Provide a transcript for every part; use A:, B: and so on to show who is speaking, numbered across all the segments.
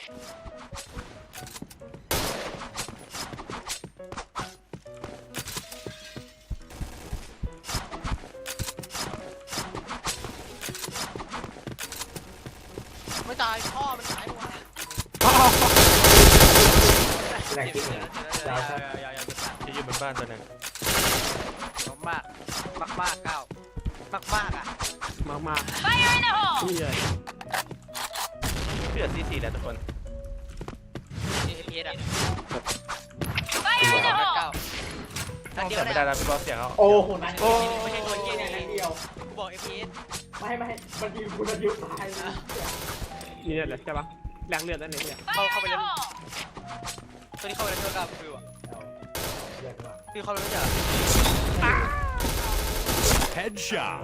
A: ไม่ตายพ่อมันตายหมด
B: แรงจริงเลยดาวครับ
C: จะยืนบนบ้านตัวนึง
A: มากมากเก้ามากอ่ะ
D: มากนี่เลย
C: เพื่อซีแหละทุกคน
A: APS อ่ะ
B: ตัว
A: เก้า
C: ต้องเสียไม่ได้แล้วพี่บอสเสียงเขา
B: โอ้โหนั่น
A: ไม่ใช่ตัวเกี้ย
B: นั่นเดียว
A: กูบอก APS
B: ไม่มันยิงคุณอายุตายนะ
D: นี่แหละใช่ปะแรงเลือดนั่นเองเนี่ย
A: เข้าไปเล่นตัวนี้เข้าไปเล่นเท่ากับฟิวอ่ะ
B: เยอะมาก
A: ฟิวเข้าไปเล่นจ้ะ
E: Headshot.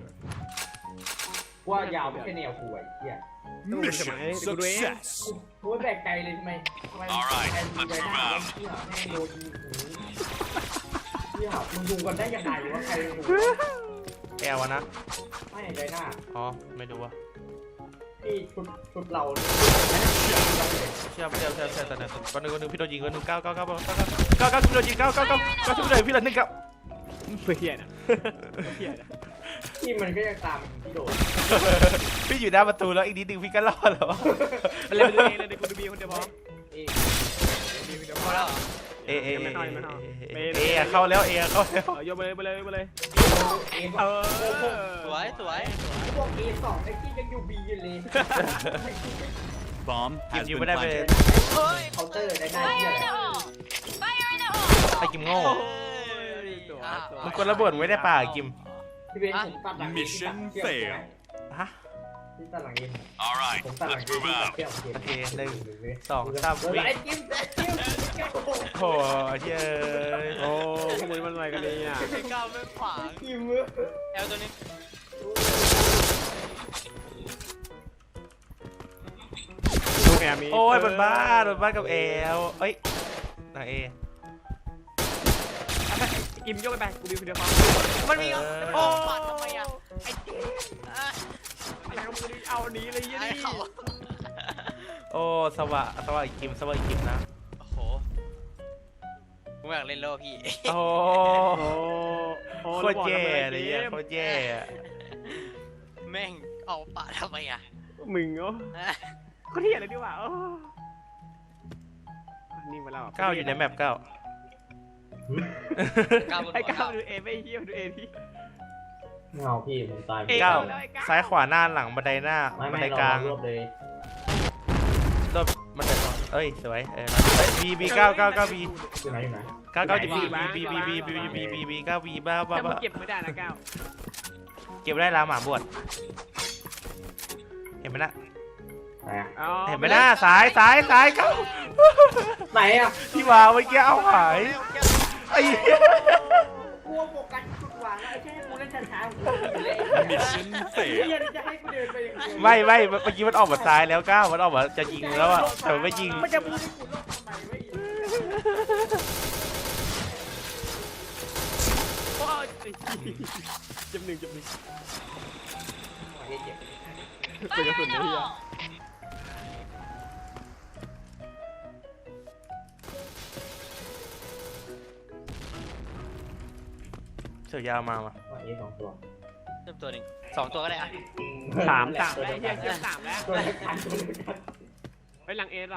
B: ว่ายาวไม่ใช่แนวคุยเหี้ย
E: Mission success.
B: กูแบกใจเลยทำไมแอนดี้ไปหน้าที่หาแม่งโดนยิงที่หามึงดูกันได้ยังไงว่าใครดู
C: แอลวะนะ
B: ไม่ใจหน้า
C: อ๋อไม่ดูวะ
B: ที่ชุดเรา
C: เชื่อแต่เนี่ยวันหนึ่งพี่โดนยิงวันหนึ่ง9พี่โดนยิง9ช่วยพี่หน่อยพี่ละ1 9
D: เฮียนะเฮียนะ
B: ที่มันก็ยังตามที่โดน
C: พี่อยู่หน้าประตูแล้วอีกนิดนึงพี่ก็รอดแล้ว
D: มันเล่นตัวเองเลยกูดูบีคนเดียวพอ
A: พอแล้ว
C: เอเข้าแล้วเข้าแล้ว
D: โยไปเลย
A: สวย
B: พวก A2 ไอ้ที่ยังอยู่ B อยู่เลย
E: Bomb
C: กิม
E: has
C: ยิง
E: been
C: ไม่ได้ไป
E: planted.
B: เคาน์เตอร์ได้หน้าที่อะไร
C: ไอ้กิมโง่มึงกดระเบิดไว้ได้ป่ะกิม
B: ที่เป็นผมตัดหลัง
E: Mission fail.
C: ฮะ
B: ที่ตัดหลังเอง
E: All right,
B: ผมตัดหลัง
E: let's
B: เอง
E: move
B: ที่ตัด
E: out.
B: เที่ยว
C: โอเค1 2 3วิ่ง
B: ไอ้จิ้ม
C: โอ้ยเย้
D: โอ้ขโมยมันอะไรกันเนี่ย
A: ไอ้ก้าวไม่ขวาง
B: จิ้ม
A: แอลตัวนี้
D: ดูแอร์มี
C: โอ้ยบนบ้านกับเอลเอ้ยนางเอ
D: กิมยกไปกูบีคนเดียวพอ
A: มันมีโอ้ปัดทำไมอ่ะไอ้จิ๊บ
D: อะไรก็มึงเอานี้เลยยี่
A: ไอ้
D: นี่
A: เขา
C: โอ้สวะอีกกิมนะ
A: โอ้โหกูอยากเล่นโลพี่
C: โอ้โคตรแย่เลยโคตรแย่
A: แม่งเอาปะทำไมอ่ะ
D: มึงโอ้ก็เที่ยเลยดีกว่านี่มาแล้ว
C: 9อยู่ในแมป9
D: ไอ้ก้าวดูเอไม่เที่ยวดูเอที่
B: เงาพี่ผมตาย
C: 9ซ้ายขวาหน้าหลังบันไดหน้าบันไดกลาง
B: รวบเลย
C: รถบันไดเอ้ยสวยบี9 9 9 B
B: อยู่ไหนอยู่ไหน
C: 9 9 B 9 B บ้า
D: แต่มึงเก็บไม่ได้นะก้าว
C: เก็บได้ลาหมาบวชเห็นไหมนะ
B: ไหนอ่ะ
C: เห็นไหมนะซ้าย9
B: ไหนอ่ะ
C: ที่วางเมื่อกี้เอาหายไอ้
B: กลัวโฟกัสจุดวางแล้วไอ้แค่กูเล่นช้าๆกูเลย
E: Mission
B: เฮีย
E: fail.
B: จะให้กูเดินไปอย่างเดียว
C: ไม่เมื่อกี้มันออกมาซ้ายแล้ว9มันออกมาจะยิงแล้วอะแต่ไม่ยิง
B: มันจะพูดให้กูโลกทำไมไม่ยิน
D: โอ้ยจำหนึ่ง
B: เจ็บ
D: เป็นกระสุนนะพี่
C: เสือยาวมาว่ะ
B: ว่าA2 ตัว
A: เริ่มตัวหนึ่ง2 ตัวก็ได้อ่ะ
D: สามแล้วเฮียเชื่อ3แล้ว
B: ตัวเล็กกันตัวเล็กกัน
D: ไปหลังเอ2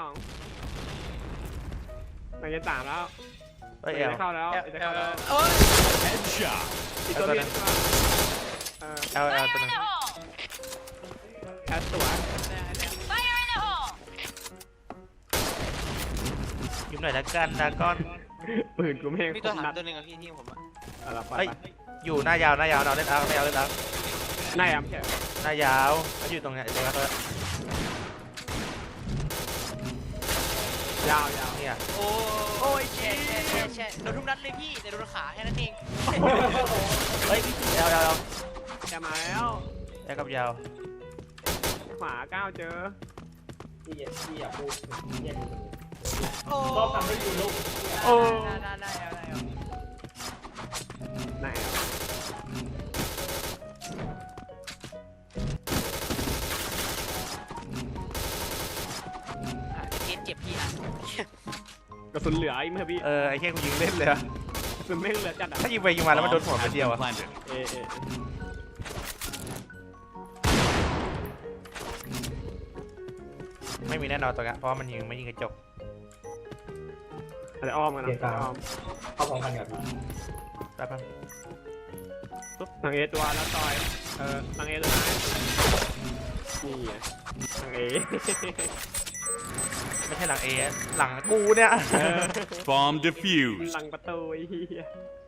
D: หลังเอ3แล้ว
C: เอ้ยเอล
D: เข้าแล้วจะเข้าแล้ว
A: โอ้ย
E: Headshot.
D: อีกตัวนึง
C: เอลตัวนึง
D: แอสตัว
C: ยิ้มหน่อยละกันดาก้อน
D: ปืนกูไม่
A: มีตัวหางตัวหนึ่งอ่ะพี่ที่ผมอ่ะ
C: เฮ้ยอยู่หน้ายาวเราเล่นเอาไม่เอาเล่นเอา
D: นายแค่
C: หน้ายาวเขาอยู่ตรงเนี้ยตรงนั้น
D: ยาว
C: เนี่ย
A: โอ้ยแช่โดนทุกนัดเลยพี่แต่โดนขาแค่นั้นเอง
C: เฮ้ยเอล
D: จะมาแล้ว
C: แอลกับยาว
D: ขวาก้าวเจอ
B: ที่อย่าพูดที่อย่าดู
A: โอ้
B: ชอบทำให้ดูโลก
C: โอ้
A: ได้เอา
D: ไหน
A: ก็บพี่อ่ะ
D: กระสุนเหลือไอ้เมื่อพี่
C: ไอ้เหี้ยกูยิงเล่นเลยอะ
D: กระสุนแม่งเหลือจัดอ่ะ
C: ถ้ายิงไปยิงมาแล้วมันโดนหัว
E: Bomb
C: ไป
E: has
C: เดียว
E: been
C: อะ
E: planted.
C: ไม่มีแน่นอนตัวนี้เพราะว่ามันยิงไม่ยิงกระจก
D: อะไรอ้อมกันนะอ้อม
B: เข้าพร้อมกันกับ
C: แป๊บนึง
D: ปุ๊บทางเอตัวแล้วต่อยทางเอตัวไหนนี่ไงทางเอ
C: ไม่ใช่หลังเอหลังกูเนี่ย
E: Bomb defused.
D: หลังประตูไอ้เหี้ย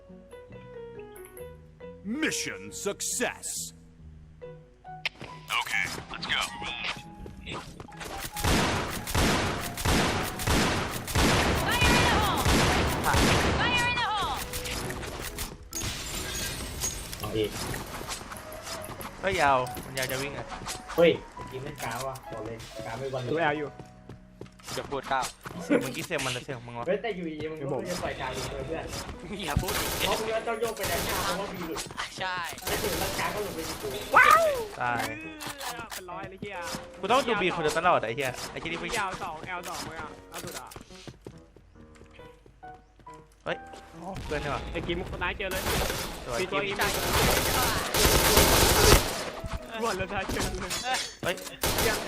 E: Mission success. Okay, let's go.
F: Fire in the hole! Fire in the hole!
B: เอาอีก
C: ก็ยาวมันยาวจะวิ่งอะ
B: เฮ้ยกินเล่นกาวว่ะบอกเลยกาวไม่วันเล
D: ดู
B: ย
D: แอลอยู่
A: อย่าพูดก้าว
C: เสียงเมื่อกี้เสียงมันหรือเสียงมึงวะ
B: เฮ้ยแต่อยู่ดีมึงก็จะปล่อยกาวอยู่เลยเพื่อน
A: อย่าพูดอีก
B: เพราะมึงก็ต้องโยกไปด้านหน้าเพราะว่ามีหลุด
A: ใช่
B: แล้วถึงร่างกายก็หลุดไปที่กู
C: ตาย
D: เป็นร้อยเลยเหี้ย
C: กูต้องดูบีคนเดียวตลอดไอ้เหี้ยไอ้ที่นี่ไม่
D: ยาว2 L2 เลยอ่ะเอาสุดอ่ะ
C: เฮ้ยเพื่อนเนี่ยว่ะ
D: ไอ้กิมคนร้ายเจอเลย
C: สวย
D: มีตัว
C: กิ
D: อี
C: ม
D: กหมดแล้วท้ายเจอเลย
C: เฮ้ย
D: เยี่ยม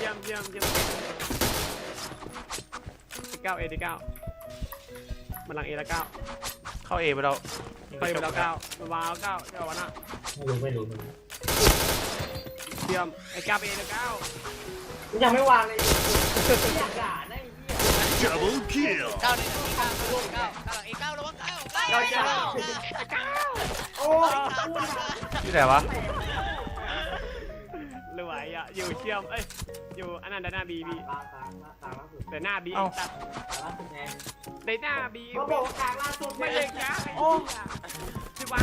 D: 9 A 9มันหลัง A แล้ว9
C: เข้าเอไปแล้ว
D: ไปหมดแล้ว9มันวางแล้ว9เจ้าวันน่ะ
B: ไม่รู้
D: เยี่ยมไอ้9 A แล้ว9
B: มึงยังไม่วางเลยอยากด่านะไอ้เหี้ย
E: Double kill.
A: ก้าวในนาทีก้าวก้าวหลังเอก้าวระวังก้าวก้าว
B: โอ้
C: ที่ไหนวะ
D: รวยอ่ะอยู่เชื่อมอยู่อันนั้นด้านหน้า B
B: ตาล่าสุด
D: แต่หน้า B ตัด
B: ตาล่าสุดไง
D: ในหน้า B
B: เขาบอกว่ากลางล่าสุด
D: ไม่
B: ไม่
D: เล
B: เลย ย
D: นะโอ้จะวาง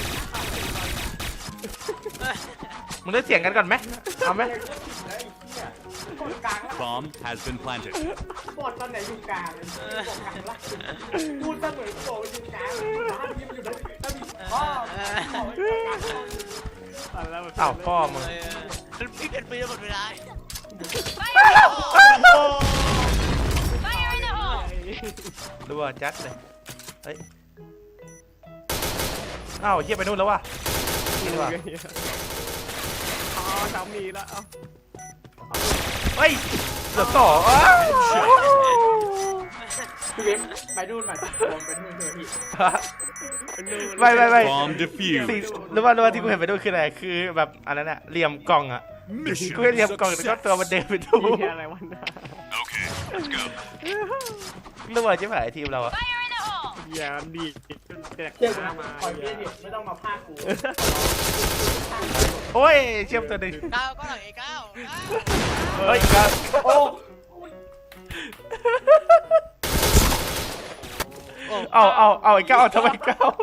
C: มึงได้เสียงกันก่อนไหมเอาไหม
B: ไอ้เหี้ยบอดกลางล่า
E: Bomb has been planted.
B: บอดตอนไหนอยู่กลางเลยบอกกลางล่าสุดพูดเสมอกูบอกว่าอยู่กลางบ้านยิ้มอยู่นะถ้ามีพ่อบอกว่าอยู่กลาง
C: เอ้าพ่อมึง
A: พี่เป็นปีหมดเวลา
F: Fire in the hole!
C: ดูว่าจัดเลยเฮ้ยอ้าวเฮียไปนู่นแล้ววะนี่ดีกว่า
D: อ๋อสามีแล้ว
C: เฮ้ยเหลือ2อ้าว
B: พี่เว้นไปนู่นมาลงไปนู่นเลยพี่
C: ไม่
E: Bomb
C: สิ่ง
E: defused.
C: หรือว่าที่กูเห็นไปด้วยคืออะไรคือแบบอันนั้นอะเหลี่ยมกล่องอะกู
E: Mission
C: เห็นเหลี่ยมกล่องแล้วก็ตัว
E: success.
C: มันเดินไปดู
D: มีอะไรวันน่ะ
E: Okay, let's go.
C: หรือว่าจะผ่านทีมเราอะ
F: Fire in the hole!
D: อย่าดีแจก
B: เชื่อ
D: หน้า
B: กู
D: มา
B: คอยเบี้ยดิไม่ต้องมาพากกู
C: โอ้ยเชื่อมตัวหนึ่ง
A: ก้าวก็หลังเอก้าว
C: เฮ้ยครับ
B: โอ้
C: เอาไอ้ก้าวเอาทำไมก้าว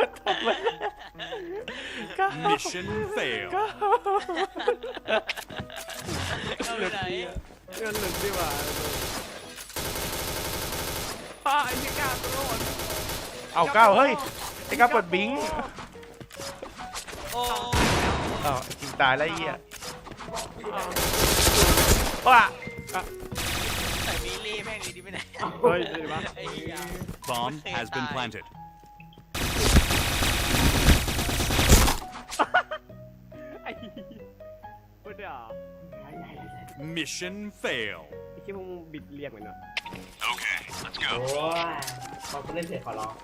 C: ก้าว
E: Mission failed.
A: ก้าวไปไหน
D: เงินหลุดดีกว่าไอ้ที่กล้าโดน
C: เอาก้าวเฮ้ยไอ้ก้าวเปิดบิง
A: โอ้
C: อ้าวจริงตายแล้วไอ้เหี้ยว้า
A: ใส่บิลลี่แม่งดีไปไหน
D: เฮ้ยดีปะ
A: ไอ้เหี้ย
E: Bomb has been planted.
D: ไอ้พูดเดี๋ยว
E: Mission fail.
D: ไอ้ที่พวกมึงบิดเรียกเหมือนเนาะ
E: Okay, let's
B: โอ้
E: go.
B: ยเขาเล่นเสร็จขอร้อง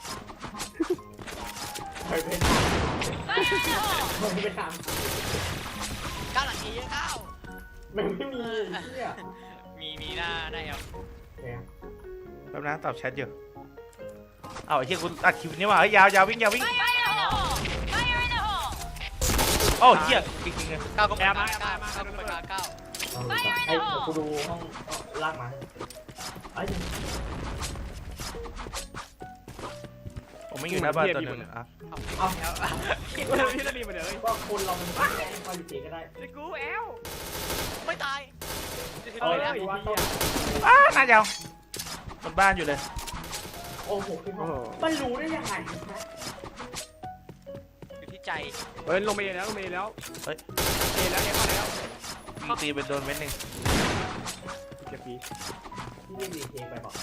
B: เคยเป็น
F: Fire in the hole!
B: เคยไปท
A: ก้าวหลังเอเยอะก้าว
B: ำมันไม่มีเหี้ย
A: มีหน้าได้เอา
B: เนี่ย
C: แป๊บนะตอบแชทอยู่เอาไอ้เหี้ยกูอัดคลิปนี้ว่ะเฮ้ยยาววิ่ง
F: Fire in the hole! Fire in the hole!
C: โอ้เหี้ยจริงๆเลย
A: ก้าวก็ไปก้าวก้าวก็ไปก้าว
B: ไอ้กูดูห้องลากมาไอ้
C: ผมไม่อยู่หน้าบ้านตัวหนึงอ่ะ
B: เอา
D: พี่นาดีมาเดี๋ยวเลย
B: ก็คนเรามันไม่ได้คอยอยู่ตีก็ได้
D: ไอ้กูแอล
A: ไม่ตาย
B: เออดูว่าต้อง
C: น่ายาวบนบ้านอยู่เลย
B: โอ้โหมันรู้ได้ยังไง
A: อยู่ที่ใจ
D: เฮ้ยลงไปแล้ว
C: เฮ้ย
D: เอแล้วเข้าแล้ว
C: ตีไปโดนเม็ดหนึ่ง
D: เจ็บปี
B: ที่ไม่มีเทคไปบอก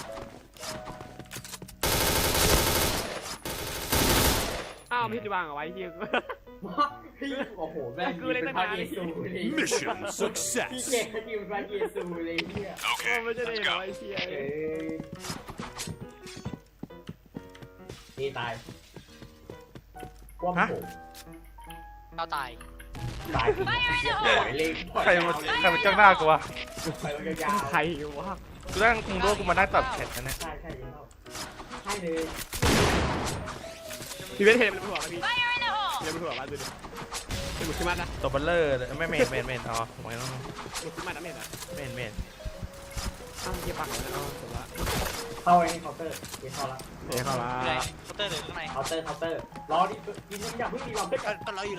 D: อ้าวพี่จะวางเอาไว้ที่
B: พี่โอ้โหแม่งเป็นพระเยซูเลย
E: Mission
B: พี่
E: success.
B: เก่งเขาจีเป็นพระเยซูเลยเนี่ย
E: Okay,
D: ไม่จะได้
E: let's
D: เอา
E: go.
D: ไว้เชีย
B: เอ้ยนี่ตายคว่ำผม
A: ก้าวตาย
B: ตายปล่อยเลยปล่อย
C: ใครมันจ้องหน้ากูวะ
B: ไปแล้วยาว
D: ใครวะ
C: กูนั่งคุงโลกกูมานั่งตัดแขนกันเนี่ย
B: ใช่ใช่ยิงเข้าใช่เลย
D: พี่เวทเห็นมันหัวพี่
F: Fire in the hole!
D: เห็นมันหัวมาดูดิเป็นบุกขึ้นมานะ
C: ตัวเบลเลอร์เลยไม่เมนอ๋อไม่ต้อง
D: บุกขึ้นมานะเมนอ่ะ
C: เมน
D: อ้าวเกี่ยปักเลยนะเอาผมว่า
B: เข้าไอ้เคาน์เตอร์ยิงเข้าละ
D: เดี๋ยวเข้าละ
A: อยู่ไหนเคาน์เตอร์หรือข้างใน
B: เคาน์เตอร์รอดิยิงอย่าเพิ่งยิงเราเพื่อน
A: ก็รออยู่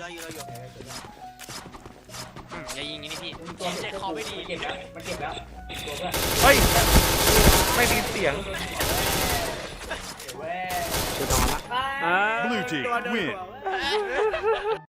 A: อย่ายิงอย่างนี้พี่
B: ตัวเจ็บคอไม่ดีเก็บแล้วมันเก็บแล้วตัวเพื่อน
C: เฮ้ยไม่ได้ยินเสียง
B: เว้ย
D: จะนอนละ
E: Blue team win.